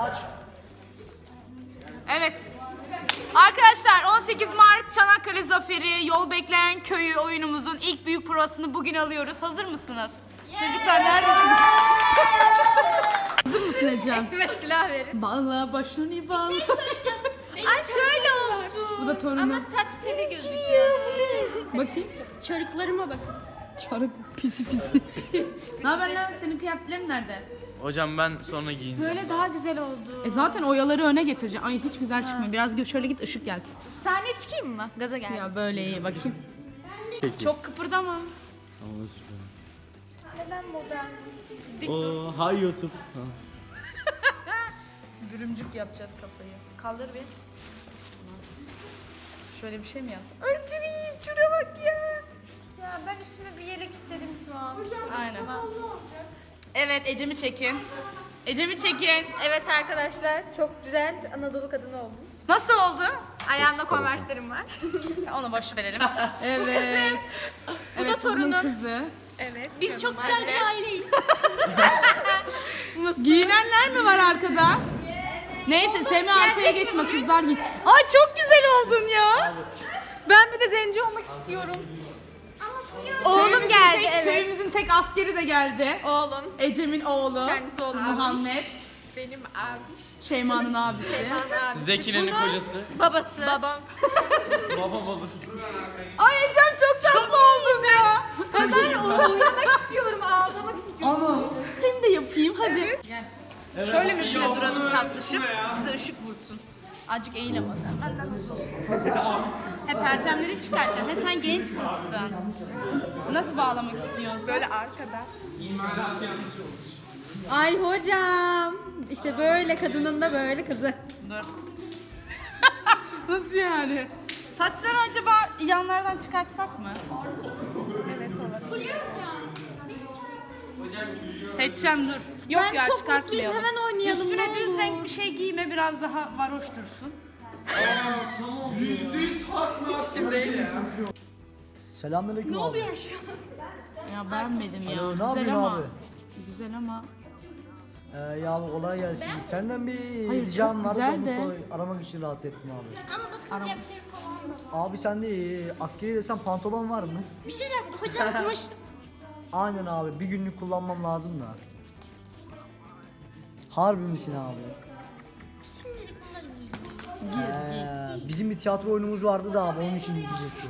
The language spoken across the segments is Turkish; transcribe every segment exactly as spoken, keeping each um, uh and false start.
Aç. Evet. Arkadaşlar on sekiz Mart Çanakkale Zaferi Yol Bekleyen Köyü oyunumuzun ilk büyük provasını bugün alıyoruz. Hazır mısınız? Yeah. Çocuklar neredesiniz? Hazır mısın Ecem? Evet, silah verin. Bağla başını bağla. Bir şey söyleyeceğim. Ay şöyle olsun. Bu da torunum. Ama saç teli gözüküyor. Bakayım. Çarıklarıma bakın. Çarık pisi pisi. Ne haber lan? Senin kıyafetlerin nerede? Hocam ben sonra giyineceğim. Böyle daha güzel oldu. E zaten oyaları öne getireceğim. Ay hiç güzel çıkmıyor. Biraz gö- şöyle git ışık gelsin. Sahneye çıkayım mı? Gaza gel. Ya böyle iyi bakayım. Peki. Çok kıpırdama. Neden modern? Oo, hay YouTube. Ha. Bürümcük yapacağız kafayı. Kaldır bir. Şöyle bir şey mi yap? Öncüreyim, şuna bak ya. Ya ben üstüme bir yelek istedim şu an. Aynen. Evet, Ecem'i çekin. Ecem'i çekin. Evet arkadaşlar, çok güzel Anadolu kadını oldum. Nasıl oldu? Ayağımda konverslerim var. Onu boş verelim. Evet. Bu evet, da torunum. bunun kızı. Evet. Biz çok güzel bir aileyiz. Giyinenler mi var arkada? Neyse Semih arkaya geçme kızlar giy. Ay çok güzel oldun ya. Ben bir de zenci olmak istiyorum. Oğlum Köyümüzün geldi, tek- evet. Köyümüzün tek askeri de geldi. Oğlum. Ecem'in oğlu. Kendisi oğlum. Muhammed. Benim abiş. Şeyma'nın abisi. Abi. Zekine'nin kocası. Babası. Babam. Baba baba. Ay Ecem çok tatlı oldun ya. Ben oynamak istiyorum, ağlamak istiyorum. Ama. Seni de yapayım hadi. Gel. Şöyle misine duralım tatlışım. Bize ışık vursun. Azıcık eğil ama sen. Benden uzun olsun. He perçemleri çıkartacağım. He sen genç kızsın. Nasıl bağlamak istiyorsun? Böyle arkada. Ay hocam. İşte böyle kadının da böyle kızı. Dur. Nasıl yani? Saçları acaba yanlardan çıkartsak mı? Evet olur. Seçeceğim dur. Yok Ben ya çok çıkartmayalım. mutluyum, hemen oynayalım, Üstüne ne düz olur. renk bir şey giyme biraz daha varoş dursun. Selamünaleyküm ne abi. oluyor? Ya beğenmedim ya. Alo, ne Güzel yapıyorsun ama. abi? Güzel ama. Ee, ya abi kolay gelsin. Senden bir Hayır, ricam çok var. güzel Onu de. sor- aramak için rahatsız ettim abi. Ama bakın cepleri falan var. Abi sende e, askeri desen pantolon var mı? Bir şey diyeceğim. Hocam kumaşlı. Aynen abi. Bir günlük kullanmam lazım da. Harbi misin abi? Şimdilik bunları giyeyim. Ee, bizim bir tiyatro oyunumuz vardı da abi onun için gidecektim.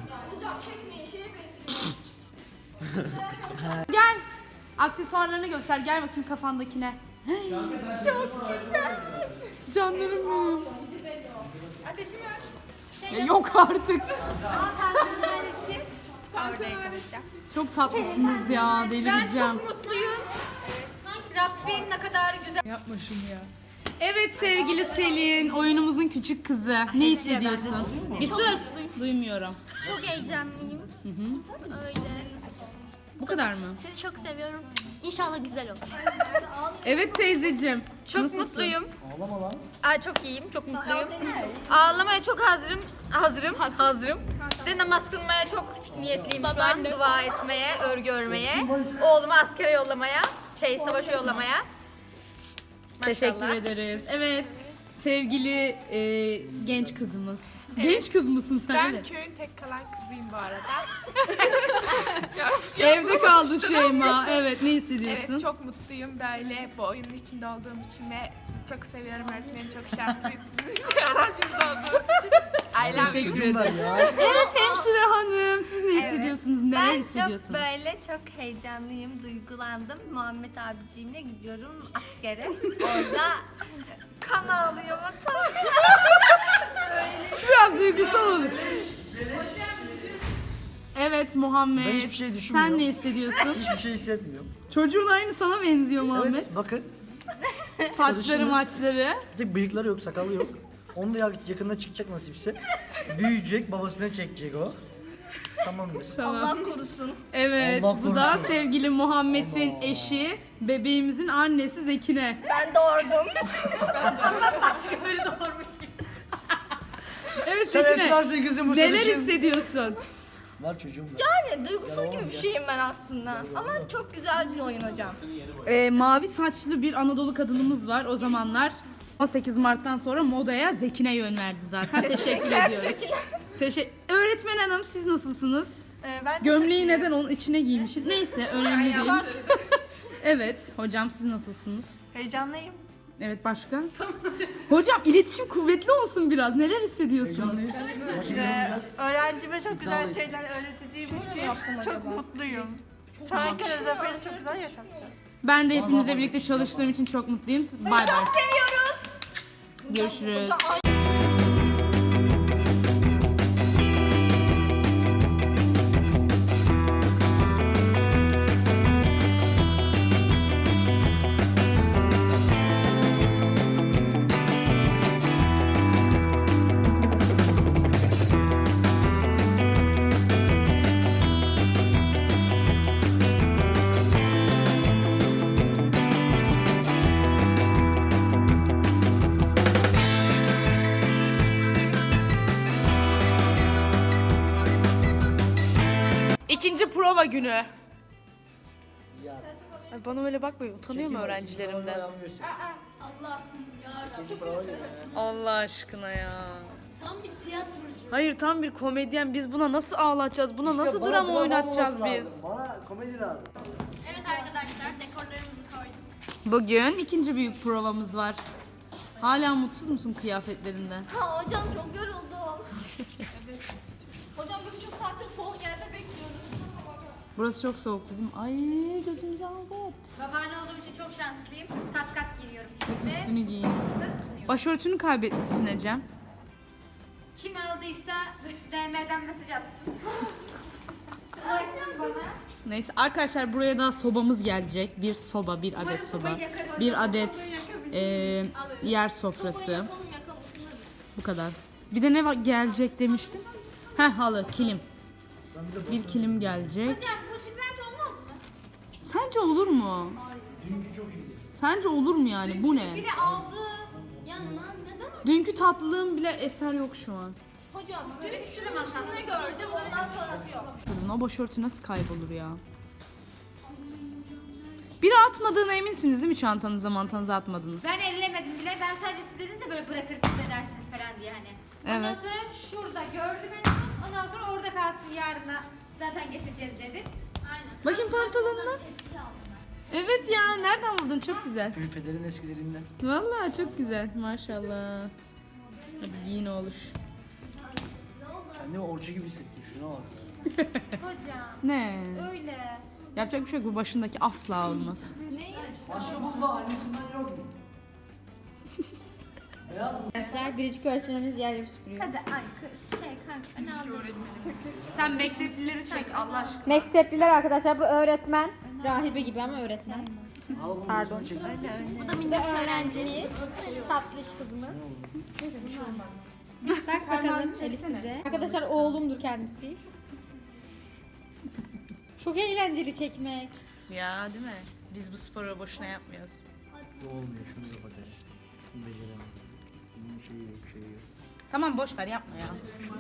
Gel. Aksesuarlarını göster. Gel bakayım kafandakine. Çok güzel. Canlarım benim. Ateşim yok. Ya yok artık. Tansiyonu halledeceğim. Tansiyonu halledeceğim. Çok tatlısınız ya. Ben Delireceğim. çok mutluyum. Rabbim ne kadar güzel. Yapma şunu ya. Evet sevgili Selin, oyunumuzun küçük kızı. Ne hissediyorsun? Bir sus. Duymuyorum. Çok heyecanlıyım. Öyle. Bu kadar mı? Sizi çok seviyorum. İnşallah güzel olur. Evet teyzeciğim. Çok Nasılsın? mutluyum. Ağlama lan. Ay çok iyiyim, çok mutluyum. Ağlamaya çok hazırım. Hazırım. Hazırım. De namaz kılmaya çok niyetliyim şu an. Dua etmeye, örgü örmeye. Oğlumu askere yollamaya, şey savaşa yollamaya. Teşekkür Maşallah. ederiz. Evet. Sevgili e, genç kızımız. Genç kız mısın sen? Ben öyle? köyün tek kalan kızıyım bu arada. Evde kaldı Şeyma. Evet ne hissediyorsun? Evet çok mutluyum böyle bu oyunun içinde olduğum için ve sizi çok seviyorum öğretmenim, çok şanslıyız sizin öğrencinizde olduğunuz için. Ailem Teşekkür Çocuğum ederim. ben ya. Evet hemşire hanım. Siz ne hissediyorsunuz? Neler Ben hissediyorsunuz? çok böyle çok heyecanlıyım, duygulandım. Muhammed abiciğimle gidiyorum askere. Orada kan ağlıyor vatan. Biraz duygusal olur. Evet Muhammed. Ben hiçbir şey düşünmüyorum. Sen ne hissediyorsun? Hiçbir şey hissetmiyorum. Çocuğun aynı sana benziyor Muhammed. Evet bakın. Saçları sarışınız. maçları. Bir tek bıyıkları yok, sakalı yok. Onu da yakında çıkacak nasipse. Büyüyecek, babasına çekecek o. Tamamdır. Allah korusun. Evet Allah bu da korusun. sevgili Muhammed'in eşi, bebeğimizin annesi Zekine. Ben doğurdum. Evet Sen Zekine. esmersin kızım bu Neler sarışın. hissediyorsun? Var çocuğum var. Yani duygusal gibi bir şeyim ben aslında. Ama çok güzel bir oyun hocam. Ee, mavi saçlı bir Anadolu kadınımız var o zamanlar. on sekiz Mart'tan sonra modaya Zekine yön verdi zaten. Teşekkür ediyoruz. Teşekkür. Öğretmen hanım siz nasılsınız? Ee, ben de Gömleği neden onun içine giymişsin? Neyse önemli değil. Evet hocam siz nasılsınız? heyecanlıyım. Evet başka? Hocam iletişim kuvvetli olsun biraz. Neler hissediyorsunuz? Heyecanlıyız. Maçı Ee, yeneceğiz. öğrencime çok güzel İddialıyız. şeyler öğreteceğim için çok mutluyum. Çanakkale Zaferi'ni çok güzel yaşatacağım. Ben de hepinizle birlikte çalıştığım için çok mutluyum. Siz bay bay. Çok Seviyoruz. Görüşürüz. İkinci prova günü. Yaz. Ay bana öyle bakmayın. Utanıyor mu Çekin, öğrencilerimden? ayağımı göster. Allah'ım yarabbim. İkinci prova geliyor ya. Allah aşkına ya. Tam bir tiyatrocu. Hayır tam bir komedyen. Biz buna nasıl ağlatacağız? Buna İşte nasıl bana drama drama oynatacağız olması biz? lazım. Bana komedi lazım. Evet arkadaşlar dekorlarımızı koyduk. Bugün ikinci büyük provamız var. Hala mutsuz musun kıyafetlerinden? Ha hocam çok yoruldum. Evet. Hocam bir buçuk saattir soğuk yerde bekliyoruz. Burası çok soğuktu değil mi? Ay gözümüzü aldı. Babaanne olduğum için çok şanslıyım. Kat kat giriyorum çünkü. Üstünü giyin. Başörtünü kaybetmişsin Ecem. Kim aldıysa D M'den mesaj atsın. Ulaşsın bana. Neyse arkadaşlar buraya da sobamız gelecek. Bir soba, bir adet soba. Bir adet e, yer sofrası. Bu kadar. Bir de ne va- gelecek demiştim? Heh halı, kilim. Bir kilim gelecek. Hocam bu tülbent olmaz mı? Sence olur mu? Dünkü çok iyiydi. Sence olur mu yani? Bu ne? Biri aldı. Yanına neden öyle? Dünkü tatlılığın bile eser yok şu an. Hocam dün hiçbir zaman üstünde gördüm ondan sonrası yok. Kadın o başörtü nasıl kaybolur ya? Biri atmadığına eminsiniz değil mi çantanıza mantanıza atmadınız? Ben ellemedim bile. Ben sadece siz dediniz de böyle bırakırsınız edersiniz falan diye hani. Ondan Evet. sonra şurada gördüm en son. Ondan sonra orada kalsın yarına zaten getireceğiz dedi. Aynen. Bakayım pantolonuna. Eski aldım ben. Evet ya nereden buldun? Çok güzel. Ülpelerin eskilerinden. Vallahi çok güzel maşallah. Hadi giyin oluş. Kendimi orçu gibi hissettim. Şuna bak. Hocam Ne? öyle. Yapacak bir şey yok. Bu başındaki asla olmaz. Başka buzba annesinden yok mu? Beyaz mı? Arkadaşlar biricik öğretmenimiz yerleri süpürüyor. Hadi ay kız şey kanka ne anladın? Sen mekteplileri çek Allah aşkına. Mektepliler arkadaşlar bu öğretmen. Rahibe gibi ama öğretmen. Al bunu Pardon. Çek. Bu da minnoş öğrencimiz. Tatlış kızımız. Bak bakalım Elif bize. Arkadaşlar oğlumdur kendisi. Çok eğlenceli çekmek. Ya değil mi? Biz bu sporu boşuna yapmıyoruz. Bu olmuyor. Şunu kapat hele. Şunu beceremem. Bunun şeyi yok, şeyi yok. Tamam boş ver yapma ya.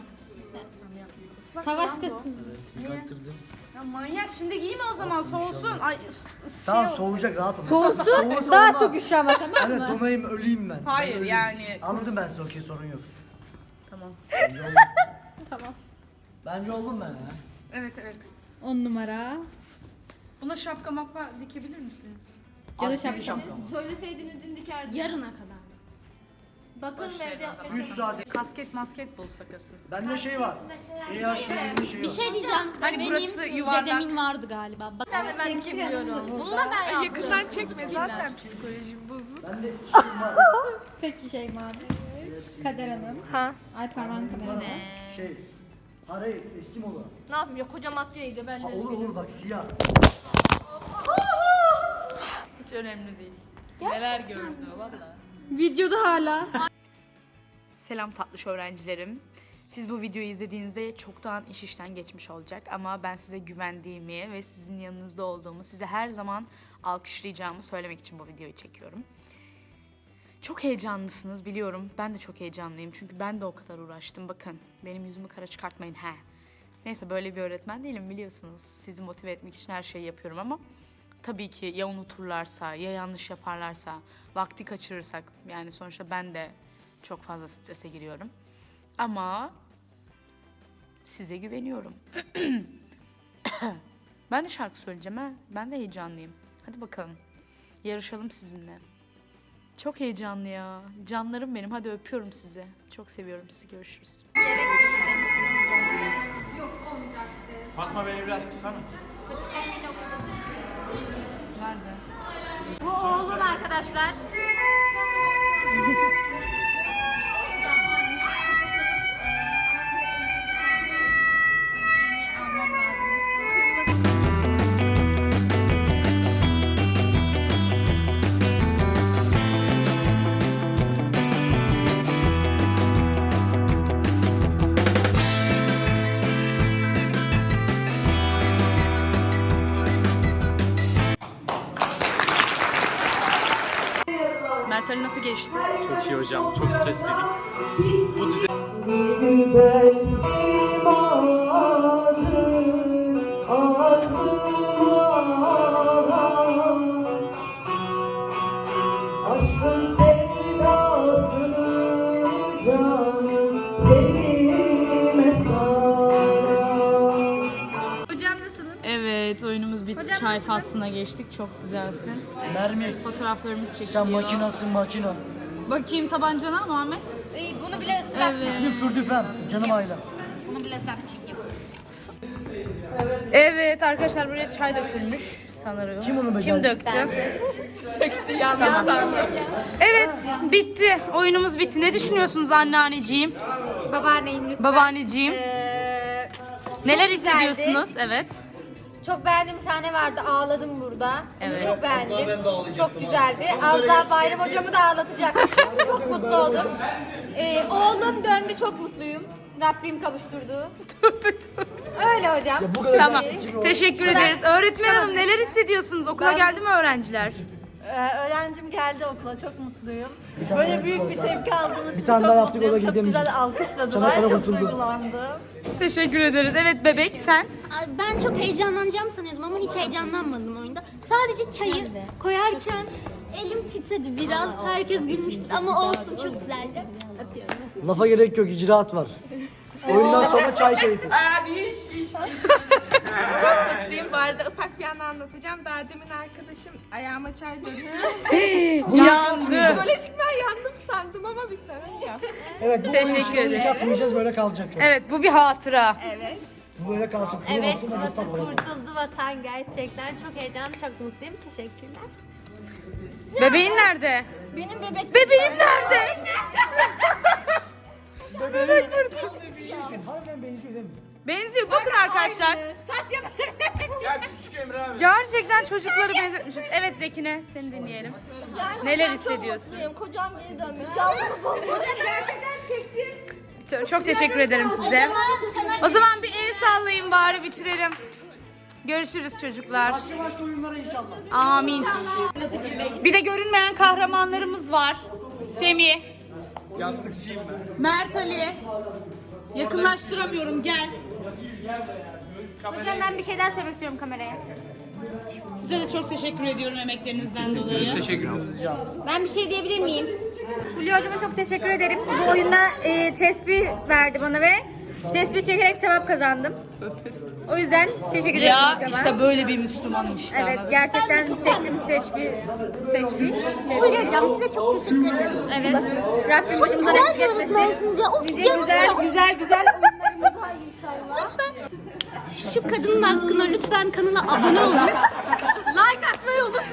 Savaştasın. Evet, bir kaktırdım. Ya manyak şimdi giyme o zaman soğusun. Ay s- Tamam şey soğuyacak rahat ol. Soğusun Soğusa daha olmaz. çok üşü ama tamam Evet mı? donayım öleyim ben. Hayır, Ben öleyim. yani- Anladım ben size okey sorun yok. Tamam. Bence oldum. Tamam. Bence oldum ben ya. Evet evet. On numara. Buna şapka mapka dikebilir misiniz? Askeri şapka mı? Söyleseydiniz dün dikerdim. Yarına kadar. Bakın Boş ve verin evde o zaman. yapmaya üç saat. Kasket masket bulsak asıl. Bende şey var. E yaş şeyinin şeyi Bir var. şey diyeceğim. Hani Benim burası yuvarlak. dedemin vardı galiba. Bak ben de ben dikebiliyorum. Bunu da ben yaptım. Yakından çekme zaten psikolojim bozuk. Bende şey var. Peki şey mavi. Kader Hanım. Ha. Ay parmağın kamerada. Şey. Hayır eski moda. Ne yapayım ya koca maskeydi ben Ha, de. olur olur bak siyah. Hiç önemli değil. Neler gördü valla. Videoda hala. Selam tatlış öğrencilerim. Siz bu videoyu izlediğinizde çoktan iş işten geçmiş olacak ama ben size güvendiğimi ve sizin yanınızda olduğumu, size her zaman alkışlayacağımı söylemek için bu videoyu çekiyorum. Çok heyecanlısınız biliyorum. Ben de çok heyecanlıyım çünkü ben de o kadar uğraştım. Bakın benim yüzümü kara çıkartmayın he. Neyse böyle bir öğretmen değilim biliyorsunuz. Sizi motive etmek için her şeyi yapıyorum ama tabii ki ya unuturlarsa ya yanlış yaparlarsa, vakti kaçırırsak, yani sonuçta ben de çok fazla strese giriyorum. Ama size güveniyorum. Ben de şarkı söyleyeceğim ha. Ben de heyecanlıyım. Hadi bakalım. Yarışalım sizinle. Çok heyecanlı ya. Canlarım benim. Hadi öpüyorum sizi. Çok seviyorum sizi. Görüşürüz. Fatma beni biraz kıssana. Bu oğlum arkadaşlar. Mert Ali nasıl geçti? Çok iyi hocam. Çok stresliydik. Bu düzen... Aşkın sevdasını canım sevime Hocam nasılsın? Evet, oyunumuz bitti. Hocam Çay nasıl? faslına geçtik. Çok güzelsin. Mermi. Fotoğraflarımız çekiliyor. Sen makinasın makina. Bakayım tabancana Muhammed. İyi, bunu bile ıslat. Evet. İsmim Fürdüfem. Canım ailem. Bunu bile ıslat çünkü. Evet arkadaşlar, buraya çay dökülmüş sanırım. Kim onu Kim becerdi? döktü? Tamam. Evet, bitti. Oyunumuz bitti. Ne düşünüyorsunuz anneanneciğim, Babaanneyim lütfen. babaanneciğim? Ee, Neler çok güzeldi. hissediyorsunuz? Evet. Çok beğendiğim sahne vardı. Ağladım burada. Evet. Çok beğendim. Çok güzeldi. Az daha Bayram hocamı da ağlatacakmışım. Çok mutlu oldum. Ee, oğlum döndü. Çok mutluyum. Rabbim kavuşturdu. Öyle hocam. Ya bu kadar Tamam. gerçekçi bir Teşekkür Şuradan- ederiz. Öğretmen hanım, neler hissediyorsunuz? Okula geldi mi öğrenciler? Ee, öğrencim geldi okula, çok mutluyum. Böyle büyük bir tepki aldığımız için Bir tane çok daha yaptık, o da mutluyum. Çok gidemeyecek. güzel alkışladılar, Çanakkale çok kurtuldu. duygulandım. Teşekkür ederiz. Evet bebek, sen? Ben çok heyecanlanacağım sanıyordum ama hiç heyecanlanmadım oyunda. Sadece çayı koyarken elim titredi biraz. Herkes gülmüştür ama olsun, çok güzeldi. Öpüyorum. Lafa gerek yok, icraat var. Oyundan sonra çay keyfi. Çok mutluyum. Bu arada ufak bir anı anlatacağım. Daha demin arkadaşım ayağıma çay döktü. Yandı. Psikolojik ben yandım sandım ama bir sorun yok. Evet, bu Teşekkür oyun içinde ederim. ilk atmayacağız, böyle kalacak çok. Evet, bu bir hatıra. Evet. Bu böyle kalsın, Evet, kurumasın da vatan ıslak böyle. kurtuldu vatan gerçekten. Çok heyecanlı, çok mutluyum. Teşekkürler. Bebeğin nerede? Benim bebek Bebeğin nerede? Harbiden benziyor değil mi? Benziyor. Bakın arkadaşlar. Saç yapacak. Ya küçük Emre abi. Gerçekten çocukları benzetmişiz. Evet Zekine, seni dinleyelim. Neler hissediyorsun? kocam geri dönmüş. Çok, çok teşekkür ederim size. O zaman bir el sallayın bari bitirelim. Görüşürüz çocuklar. Başka başka oyunlara inşallah. Amin. Bir de görünmeyen kahramanlarımız var. Semih, Yastıkçıyım ben. Mert Ali. Yakınlaştıramıyorum, gel. Hocam ben bir şey daha söylemek istiyorum kameraya. Size de çok teşekkür ediyorum emeklerinizden dolayı. Teşekkür ederiz. Ben bir şey diyebilir miyim? Fulya hocama çok teşekkür ederim. Bu oyunda e, tesbih verdi bana ve tesbih çekerek sevap kazandım. O yüzden teşekkür ederim Ya hocama. işte böyle bir Müslümanım işte. Evet, anladın? gerçekten çektim seçbi seçbi. Fulya hocam size çok teşekkür ederim. Evet. Rabbim başımıza Güzel eksik bir etmesin. öğretmensiniz ya. Of Nice canım güzel ya. güzel güzel oyunlarımız var inşallah. Lütfen şu kadının hakkında lütfen kanala abone olun. Like atmayı unutmayın.